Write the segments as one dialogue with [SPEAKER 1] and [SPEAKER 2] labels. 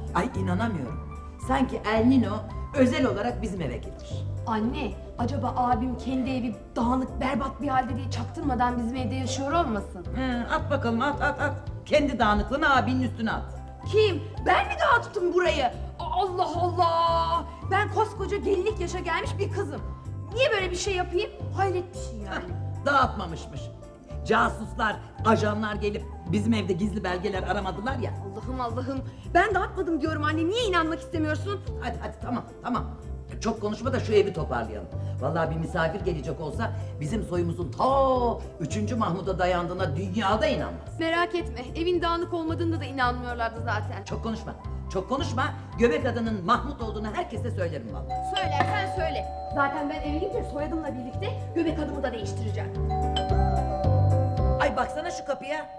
[SPEAKER 1] Ay inanamıyorum. Sanki El Nino özel olarak bizim eve gelir.
[SPEAKER 2] Anne, acaba abim kendi evi dağınık, berbat bir halde diye çaktırmadan bizim evde yaşıyor olmasın?
[SPEAKER 1] At bakalım at. Kendi dağınıklığını abinin üstüne at.
[SPEAKER 2] Kim? Ben mi dağıttım burayı? Allah Allah! Ben koskoca gelinlik yaşa gelmiş bir kızım. Niye böyle bir şey yapayım? Hayret bir şey yani.
[SPEAKER 1] Dağıtmamışmış. Casuslar, ajanlar gelip bizim evde gizli belgeler aramadılar ya.
[SPEAKER 2] Allah'ım. Ben dağıtmadım diyorum anne. Niye inanmak istemiyorsun?
[SPEAKER 1] Hadi tamam. Çok konuşma da şu evi toparlayalım. Vallahi bir misafir gelecek olsa bizim soyumuzun ta 3. Mahmud'a dayandığına dünyada inanmaz.
[SPEAKER 2] Merak etme. Evin dağınık olmadığında da inanmıyorlardı zaten.
[SPEAKER 1] Çok konuşma. Göbek adının Mahmut olduğunu herkese söylerim vallahi.
[SPEAKER 2] Söylersen söyle. Zaten ben eve gidince soyadımla birlikte göbek adımı da değiştireceğim.
[SPEAKER 1] Ay baksana şu kapıya.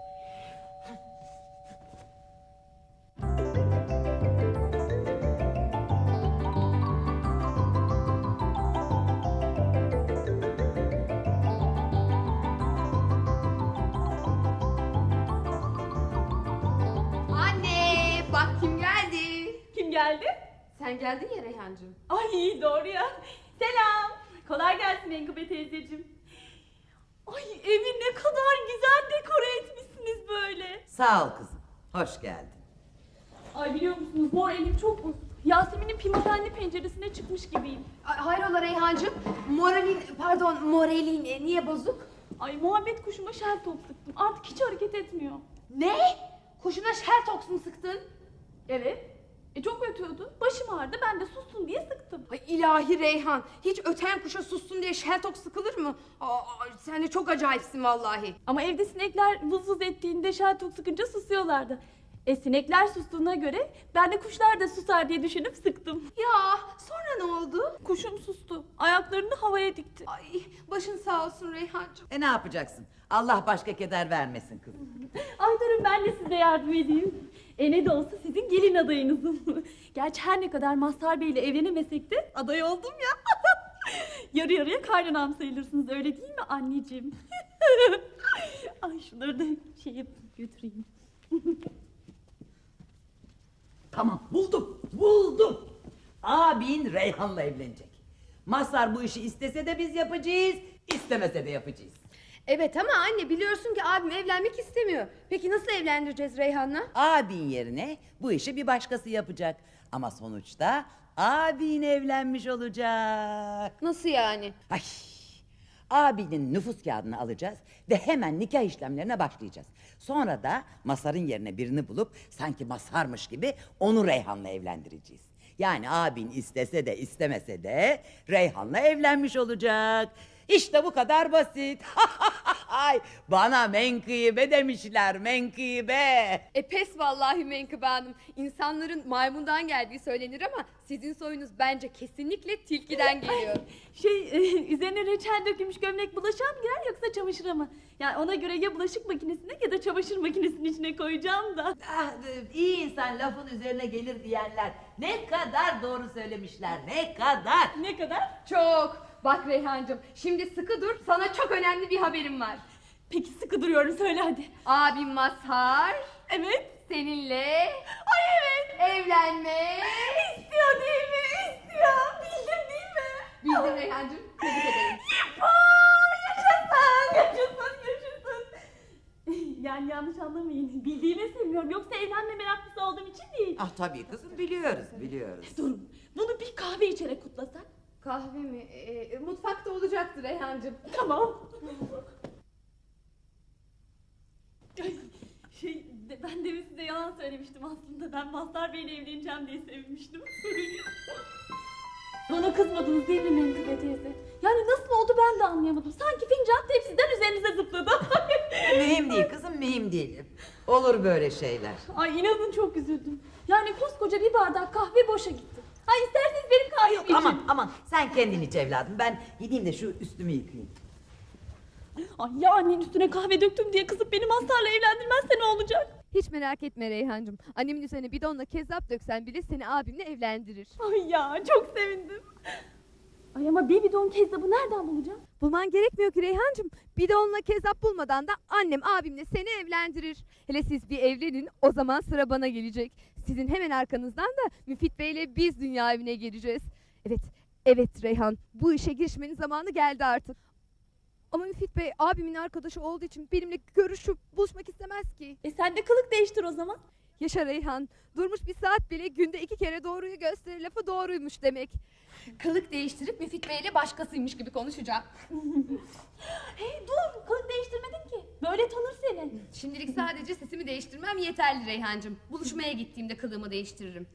[SPEAKER 2] Anne, bak kim geldi?
[SPEAKER 3] Kim geldi?
[SPEAKER 2] Sen geldin ya Reyhancığım.
[SPEAKER 3] Ay doğru ya. Selam. Kolay gelsin Menkıbe teyzeciğim. Ay evi ne kadar güzel dekore etmişsiniz böyle.
[SPEAKER 1] Sağ ol kızım. Hoş geldin.
[SPEAKER 3] Ay biliyor musunuz moralim çok bozuk. Yasemin'in pimapenli penceresine çıkmış gibiyim.
[SPEAKER 2] Hayrola Reyhancığım? Moralin niye bozuk?
[SPEAKER 3] Ay muhabbet kuşuma şel top sıktım. Artık hiç hareket etmiyor.
[SPEAKER 2] Ne? Kuşuna Sheltox mu sıktın?
[SPEAKER 3] Evet. Çok ötüyordu. Başım ağrıdı. Ben de sussun diye sıktım.
[SPEAKER 2] Ay ilahi Reyhan, hiç öten kuşa sussun diye Sheltox sıkılır mı? Sen de çok acayipsin vallahi.
[SPEAKER 3] Ama evde sinekler vız vız ettiğinde şel top sıkınca susuyorlardı. Sinekler sustuğuna göre ben de kuşlar da susar diye düşünüp sıktım.
[SPEAKER 2] Ya sonra ne oldu?
[SPEAKER 3] Kuşum sustu. Ayaklarını havaya dikti.
[SPEAKER 2] Ay başın sağ olsun Reyhancığım.
[SPEAKER 1] Ne yapacaksın? Allah başka keder vermesin kızım.
[SPEAKER 3] Ay durun ben de size yardım edeyim. Ne de olsa sizin gelin adayınızım. Gerçi her ne kadar Mazhar Bey ile evlenemesek de aday oldum ya. Yarı yarıya kaynanam sayılırsınız öyle değil mi anneciğim? Ay şunları da götüreyim.
[SPEAKER 1] Tamam buldum. Abin Reyhan'la evlenecek. Mazhar bu işi istese de biz yapacağız, istemese de yapacağız.
[SPEAKER 2] Evet ama anne biliyorsun ki abim evlenmek istemiyor. Peki nasıl evlendireceğiz Reyhan'la?
[SPEAKER 1] Abin yerine bu işi bir başkası yapacak. Ama sonuçta abin evlenmiş olacak.
[SPEAKER 2] Nasıl yani?
[SPEAKER 1] Ay, abinin nüfus kağıdını alacağız ve hemen nikah işlemlerine başlayacağız. Sonra da Mazhar'ın yerine birini bulup sanki Mazhar'mış gibi onu Reyhan'la evlendireceğiz. Yani abin istese de istemese de Reyhan'la evlenmiş olacak. İşte bu kadar basit. Ay, bana menkıbe demişler, menkıbe.
[SPEAKER 2] Pes vallahi Menkıbe Hanım. İnsanların maymundan geldiği söylenir ama sizin soyunuz bence kesinlikle tilkiden geliyor.
[SPEAKER 3] Üzerine reçel dökülmüş gömlek bulaşığa mı girer yoksa çamaşıra mı? Yani ona göre ya bulaşık makinesine ya da çamaşır makinesinin içine koyacağım da.
[SPEAKER 1] İyi insan lafın üzerine gelir diyenler ne kadar doğru söylemişler, ne kadar.
[SPEAKER 3] Ne kadar?
[SPEAKER 2] Çok. Bak Reyhancığım şimdi sıkı dur, sana çok önemli bir haberim var.
[SPEAKER 3] Peki sıkı duruyorum söyle hadi.
[SPEAKER 2] Abim Mazhar
[SPEAKER 3] Evet.
[SPEAKER 2] seninle
[SPEAKER 3] Ay evet.
[SPEAKER 2] evlenme
[SPEAKER 3] İstiyor değil mi? İstiyor. Bildim değil mi?
[SPEAKER 2] bildim Reyhancığım. Tebrik ederim.
[SPEAKER 3] Yaşasın. Yani yanlış anlamayın. Bildiğime sevmiyorum. Yoksa evlenme meraklısı olduğum için değil.
[SPEAKER 1] Ah tabii kızım biliyoruz.
[SPEAKER 3] Durun. Bunu bir kahve içerek kutlasak.
[SPEAKER 2] Kahve mi? Mutfakta olacaktır Reyhancığım.
[SPEAKER 3] Tamam. Ben demin size yalan söylemiştim aslında. Ben Mazhar Bey'le evleneceğim diye sevinmiştim. Bana kızmadınız değil mi Menkıbe teyze? Yani nasıl oldu ben de anlayamadım. Sanki fincan tepsiden üzerinize zıpladı.
[SPEAKER 1] Mühim değil kızım, mühim değil. Olur böyle şeyler.
[SPEAKER 3] Ay inanın çok üzüldüm. Yani koskoca bir bardak kahve boşa gitti. Ay isterseniz benim kahvemi için.
[SPEAKER 1] Aman sen kendin iç evladım. Ben gideyim de şu üstümü yıkayayım.
[SPEAKER 3] Ay ya annenin üstüne kahve döktüm diye kızıp beni Mazhar'la evlendirmezse ne olacak?
[SPEAKER 4] Hiç merak etme Reyhancığım. Annemin üzerine bidonla kezzap döksen bile seni abimle evlendirir.
[SPEAKER 3] Ay ya çok sevindim. Ay ama bir bidon kezzabı nereden bulacağım?
[SPEAKER 4] Bulman gerekmiyor ki Reyhancığım. Bir de onunla kezzap bulmadan da annem abimle seni evlendirir. Hele siz bir evlenin, o zaman sıra bana gelecek. Sizin hemen arkanızdan da Müfit Bey'le biz dünya evine geleceğiz. Evet Reyhan, bu işe girişmenin zamanı geldi artık. Ama Müfit Bey abimin arkadaşı olduğu için benimle görüşüp buluşmak istemez ki.
[SPEAKER 3] Sen de kılık değiştir o zaman.
[SPEAKER 4] Yaşa Reyhan, durmuş bir saat bile günde 2 kere doğruyu gösterir lafı doğruymuş demek.
[SPEAKER 2] Kılık değiştirip Müfit Bey'le başkasıymış gibi konuşacağım.
[SPEAKER 3] Hey dur, kılık değiştirmedin ki. Böyle tanır seni.
[SPEAKER 2] Şimdilik sadece sesimi değiştirmem yeterli Reyhancığım. Buluşmaya gittiğimde kılığımı değiştiririm.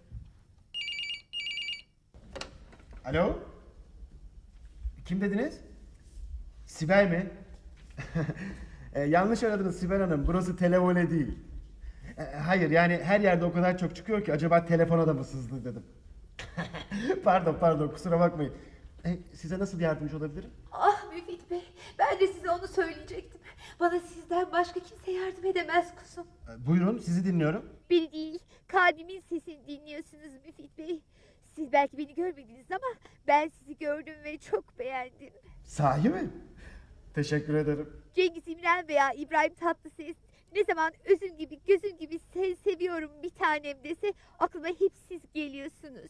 [SPEAKER 5] Alo? Kim dediniz? Sibel mi? Yanlış aradınız Sibel Hanım. Burası televole değil. Hayır yani her yerde o kadar çok çıkıyor ki acaba telefona da mı sızdı dedim. Pardon kusura bakmayın. Size nasıl yardımcı olabilirim?
[SPEAKER 6] Ah Müfit Bey, ben de size onu söyleyecektim. Bana sizden başka kimse yardım edemez kuzum.
[SPEAKER 5] Buyurun sizi dinliyorum.
[SPEAKER 6] Beni değil, kalbimin sesini dinliyorsunuz Müfit Bey. Siz belki beni görmediniz ama ben sizi gördüm ve çok beğendim.
[SPEAKER 5] Sahi mi? Teşekkür ederim.
[SPEAKER 6] Cengiz İmren veya İbrahim Tatlıses ne zaman özüm gibi gözüm gibi seni seviyorum bir tanem dese aklıma hep siz geliyorsunuz.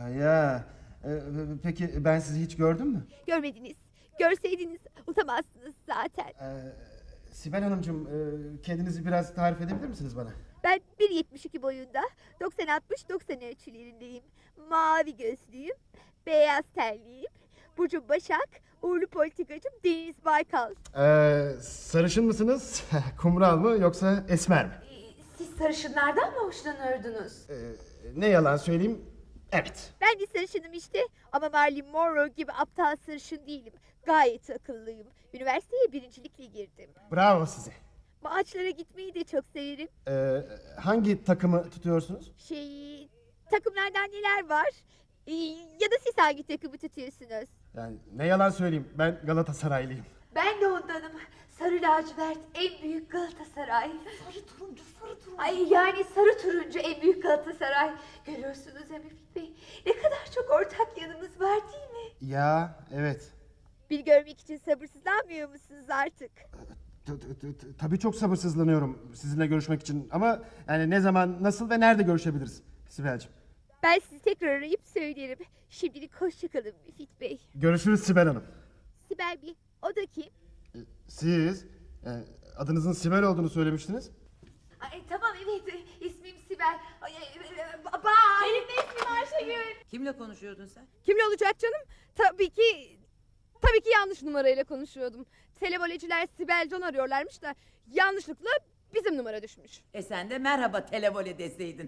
[SPEAKER 5] Peki ben sizi hiç gördüm mü?
[SPEAKER 6] Görmediniz, görseydiniz unutamazsınız zaten.
[SPEAKER 5] Sibel Hanımcığım kendinizi biraz tarif edebilir misiniz bana?
[SPEAKER 6] Ben 1.72 boyunda, 90-60-90 ölçülerindeyim. Mavi gözlüyüm, beyaz tenliyim. Burcum Başak, uğurlu politikacım Deniz Baykal.
[SPEAKER 5] Sarışın mısınız? Kumral mı yoksa esmer mi?
[SPEAKER 6] Siz sarışınlardan mı hoşlanırdınız?
[SPEAKER 5] Ne yalan söyleyeyim, evet.
[SPEAKER 6] Ben de sarışınım işte ama Marilyn Monroe gibi aptal sarışın değilim. Gayet akıllıyım. Üniversiteye birincilikle girdim.
[SPEAKER 5] Bravo size.
[SPEAKER 6] Maçlara gitmeyi de çok severim.
[SPEAKER 5] Hangi takımı tutuyorsunuz?
[SPEAKER 6] Takımlardan neler var? Ya da siz hangi takımı tutuyorsunuz?
[SPEAKER 5] Yani ne yalan söyleyeyim, ben Galatasaraylıyım.
[SPEAKER 6] Ben de ondanım. Sarı lacivert en büyük Galatasaray. Sarı turuncu. Ay yani sarı turuncu en büyük Galatasaray. Görüyorsunuz ya Müfit Bey. Ne kadar çok ortak yanımız var değil mi?
[SPEAKER 5] Ya evet.
[SPEAKER 6] Bir görmek için sabırsızlanmıyor musunuz artık?
[SPEAKER 5] Tabii çok sabırsızlanıyorum sizinle görüşmek için. Ama yani ne zaman, nasıl ve nerede görüşebiliriz Sibel'ciğim?
[SPEAKER 6] Ben sizi tekrar arayıp söylerim. Şimdilik hoşçakalın Müfit Bey.
[SPEAKER 5] Görüşürüz Sibel Hanım.
[SPEAKER 6] Sibel Bey, o da kim?
[SPEAKER 5] Siz adınızın Sibel olduğunu söylemiştiniz.
[SPEAKER 6] Ay, tamam evet, ismim Sibel. Bye.
[SPEAKER 3] Benim de ismim Ayşegül.
[SPEAKER 1] Kimle konuşuyordun sen?
[SPEAKER 4] Kimle olacak canım? Tabii ki yanlış numarayla konuşuyordum. Televoleciler Sibel Can arıyorlarmış da yanlışlıkla bizim numara düşmüş.
[SPEAKER 1] Sen de merhaba televole deseydin.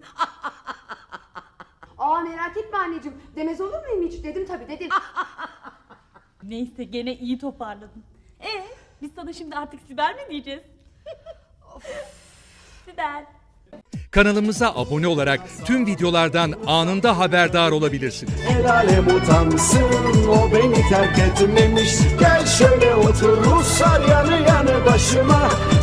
[SPEAKER 2] Aa merak etme anneciğim. Demez olur muyum hiç? Dedim tabii dedim.
[SPEAKER 3] Neyse gene iyi toparladın. Biz sana şimdi artık Sibel mi diyeceğiz? Sibel.
[SPEAKER 7] Kanalımıza abone olarak tüm videolardan anında haberdar olabilirsiniz.
[SPEAKER 8] El alem utansın, o beni terk etmemiş. Gel şöyle otur Ruslar yanı yanı başıma.